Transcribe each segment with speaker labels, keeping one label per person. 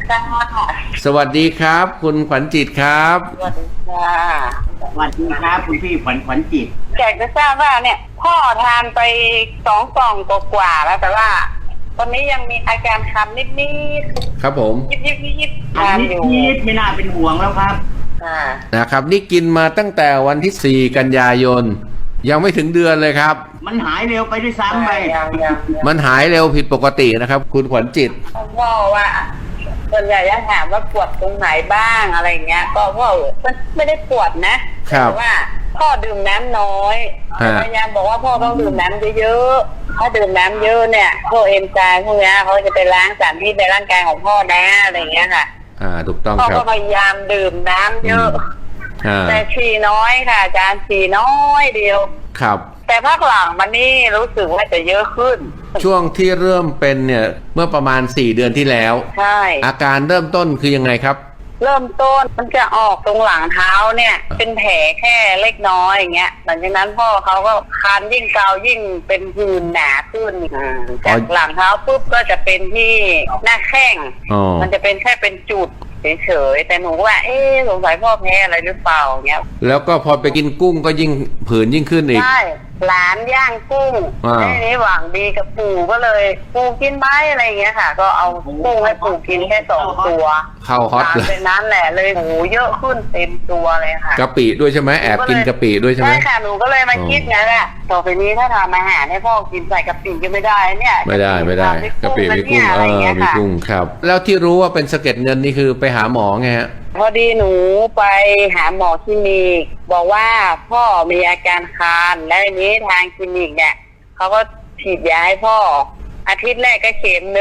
Speaker 1: ค่ะ
Speaker 2: สวัสดีครับคุณขวัญจิตครับ
Speaker 1: สวัสดีค่ะ
Speaker 3: สวัสดีครับคุณพี่ขวัญจิต
Speaker 1: อยากจะทราบว่าเนี่ยพ่อทานไป2 กล่องกว่าๆแล้วแต่ว่าตอนนี้ยังมีอาการคันนิดๆ
Speaker 2: ครับผม
Speaker 1: ยิบ
Speaker 3: อัน
Speaker 1: ทาน
Speaker 3: นี้
Speaker 1: อยู่
Speaker 3: ไม่น่าเป็นห่วงแล้วครับ
Speaker 2: นะครับนี่กินมาตั้งแต่วันที่4 กันยายนยังไม่ถึงเดือนเลยครับ
Speaker 3: มันหายเร็วไปด้วยซ้ำไป
Speaker 2: มันหายเร็วผิดปกตินะครับคุณขวัญจิต
Speaker 1: พ่อว่าส่วนใหญ่จะถามว่าปวดตรงไหนบ้างอะไรเงี้ยก็พ่อมันไม่ได้ปวดนะแต่ว่าพ่อดื่มน้ำน้อยพยายามบอกว่าพ่อต้องดื่มน้ำเยอะๆถ้าดื่มน้ำเยอะเนี่ยพวกเอนไซม์พวกนี้เขาจะไปล้างสารพิษในร่างกายของพ่อนะอะไรเงี้ยค่ะ
Speaker 2: ถูกต้อง
Speaker 1: พ่อ
Speaker 2: ครับ
Speaker 1: ก็พยายามดื่มน้ำเยอะแต่ฉี่น้อยค่ะอาจารย์ฉี่น้อยเดียว
Speaker 2: ครับ
Speaker 1: แต่พักหลังมันนี่รู้สึกว่าจะเยอะขึ้น
Speaker 2: ช่วงที่เริ่มเป็นเนี่ยเมื่อประมาณ4 เดือนที่แล้ว
Speaker 1: ใช่
Speaker 2: อาการเริ่มต้นคือยังไงครับ
Speaker 1: เริ่มต้นมันจะออกตรงหลังเท้าเนี่ยเป็นแผลแค่เล็กน้อยอย่างเงี้ยหลังจากนั้นพ่อเขาก็คันยิ่งเกายิ่งเป็นผื่นหนาขึ้นจากหลังเท้าปุ๊บก็จะเป็นที่หน้าแข้งมันจะเป็นแค่เป็นจุดเฉยๆแต่หนูว่าสงสัยพ่อแพ้อะไรหรือเปล่าเงี้ย
Speaker 2: แล้วก็พอไปกินกุ้งก็ยิ่งผื่นยิ่งขึ้นอีก
Speaker 1: ใช่หลานย่างกุ้งนี่หวังดีกับปู่ก็เลยปู่กินไหมอะไรเงี้ยค่ะก็เอากุ้งให้ปู่กินแค่2 ตัว
Speaker 2: เข้าฮอตเลย
Speaker 1: เป็นนั้นแหละเลยหูเยอะขึ้นเต็มตัวเลยค่ะ
Speaker 2: กะปิด้วยใช่ไหมแอบกินกะปิด้วยใช่ไหม
Speaker 1: ใช่ค่ะหนูก็เลยมาคิดไงแหละต่อไปนี้ถ้าทำอาหารให้พ่อกินใส่กะปิก็ไม่ได้เนี่ย
Speaker 2: ไม่ได้กะปิมีกุ้งมีกุ้งครับแล้วที่รู้ว่าเป็นสะเก็ดเงินนี่คือไปหาหมอไงฮะ
Speaker 1: พอดีหนูไปหาหมอคลินิกบอกว่าพ่อมีอาการคันและทีนี้ทางคลินิกเนี่ยเขาก็ฉีดยาให้พ่ออาทิตย์แรกก็เข็ม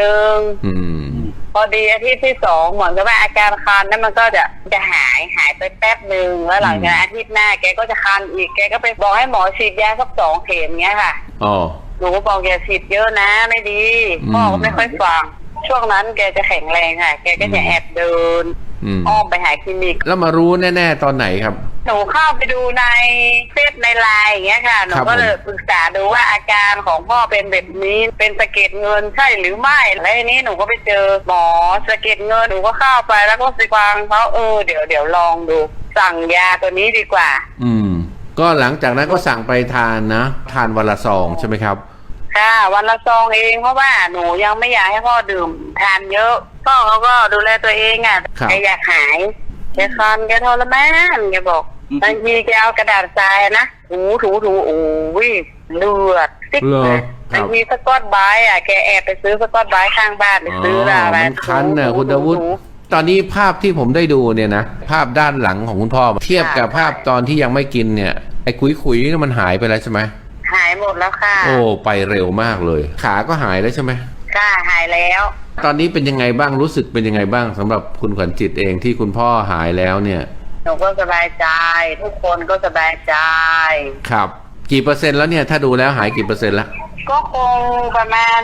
Speaker 1: 1พอดีอาทิตย์ที่2เหมือนกับว่าอาการคันนั้นมันก็จะหายไปแป๊บหนึ่งแล้วหลังจากอาทิตย์หน้าแกก็จะคันอีกแกก็ไปบอกให้หมอฉีดยาสัก2 เข็มเงี้ยค่ะหนูก็บอกอย่าฉีดเยอะนะไม่ดีพ่อก็ไม่ค่อยฟังช่วงนั้นแกจะแข็งแรงค่ะแกก็จะแอบเดินอ้อมไปหาคลินิก
Speaker 2: แล้วมารู้แน่ๆตอนไหนครับ
Speaker 1: หนูเข้าไปดูในเฟซในไลน์อย่างเงี้ยค่ะหนูก็เลยปรึกษาดูว่าอาการของพ่อเป็นแบบนี้เป็นสะเก็ดเงินใช่หรือไม่แล้วทีนี้หนูก็ไปเจอหมอสะเก็ดเงินหนูก็เข้าไปแล้วก็ไปฟังเขาเดี๋ยวลองดูสั่งยาตัวนี้ดีกว่า
Speaker 2: ก็หลังจากนั้นก็สั่งไปทานนะทานวันละ2ใช่ไหมครับ
Speaker 1: ค่ะวันละ2เองเพราะว่าหนูยังไม่อยากให้พ่อดื่มทานเยอะพ่อเขาก็ดูแลตัวเองอ่ะแกอยากหายแกคันแกทรมานแกบอกบางทีแกเอากระดาษทรายนะถูโอ้ยเลือดซิกเลยบางทีสกอตไบรท์แกแอบไปซื้อสกอตไบรท์ข้างบ้านไปซื้ออะไร
Speaker 2: มันคันน่ะคุณดาวุฒิตอนนี้ภาพที่ผมได้ดูเนี่ยนะภาพด้านหลังของคุณพ่อเทียบกับภาพตอนที่ยังไม่กินเนี่ยไอ้ขุยๆนี่มันหายไปแล้วใช่ไหม
Speaker 1: หายหมดแล้วค่ะ
Speaker 2: โอ้ไปเร็วมากเลยขาก็หายแล้วใช่ไหม
Speaker 1: ค่ะหายแล้ว
Speaker 2: ตอนนี้เป็นยังไงบ้างรู้สึกเป็นยังไงบ้างสำหรับคุณขวัญจิตเองที่คุณพ่อหายแล้วเนี่ย
Speaker 1: หนูก็สบายใจทุกคนก็สบายใจ
Speaker 2: ครับกี่เปอร์เซ็นต์แล้วเนี่ยถ้าดูแล้วหายกี่เปอร์เซ็นต์ละ
Speaker 1: ก็คงประมาณ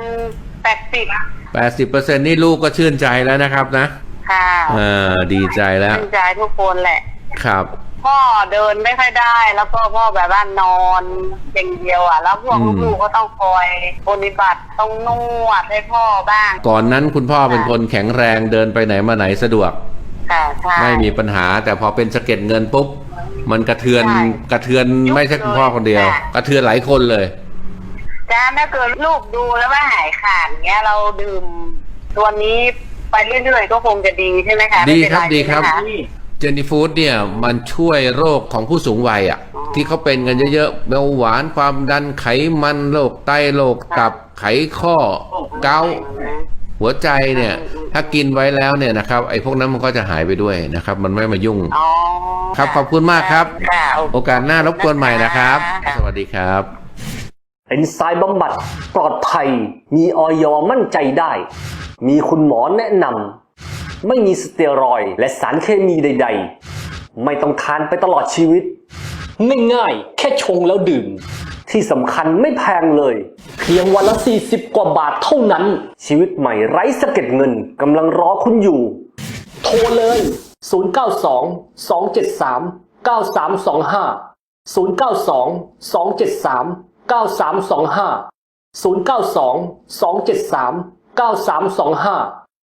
Speaker 1: 80%
Speaker 2: นี่ลูกก็ชื่นใจแล้วนะครับนะ
Speaker 1: ค่ะ
Speaker 2: ดีใจแล้ว
Speaker 1: ชื่นใจทุกคนแหละ
Speaker 2: ครับ
Speaker 1: พ่อเดินไม่ค่อยได้แล้วพ่อแบบว่านอนอย่างเดียวแล้วพวกลูกก็ต้องคอยปฏิบัติต้องนวดให้พ่อบ้าง
Speaker 2: ก่อนนั้นคุณพ่อเป็นคนแข็งแรงเดินไปไหนมาไหนสะดวก
Speaker 1: ค่ะใช่
Speaker 2: ไม่มีปัญหาแต่พอเป็นสะเก็ดเงินปุ๊บมันกระเทือนไม่ใช่คุณพ่อคนเดียวกระเทือนหลายคนเลย
Speaker 1: จ้าถ้าเกิดลูกดูแล้วว่าหายขาดเงี้ยเราดื่มตัวนี้ไปเรื่อยๆก็คงจะดีใช่ไหมคะ
Speaker 2: ดีครับเจนนี่ฟู้ดเนี่ยมันช่วยโรคของผู้สูงวัยที่เขาเป็นกันเยอะๆเบาหวานความดันไขมันโรคไตโรคตับไขข้อเกาต์หัวใจเนี่ยถ้ากินไว้แล้วเนี่ยนะครับไอ้พวกนั้นมันก็จะหายไปด้วยนะครับมันไม่มายุ่งครับขอบคุณมากครับโอกาสหน้ารบกวนใหม่นะครับสวัสดีครับ
Speaker 4: เอนไซม์บำบัดปลอดภัยมีอย.มั่นใจได้มีคุณหมอแนะนำไม่มีสเตียรอยด์และสารเคมีใดๆไม่ต้องทานไปตลอดชีวิตง่ายๆแค่ชงแล้วดื่มที่สำคัญไม่แพงเลยเพียงวันละ40 กว่าบาทเท่านั้นชีวิตใหม่ไร้สะเก็ดเงินกำลังรอคุณอยู่โทรเลย092-273-9325 092-273-9325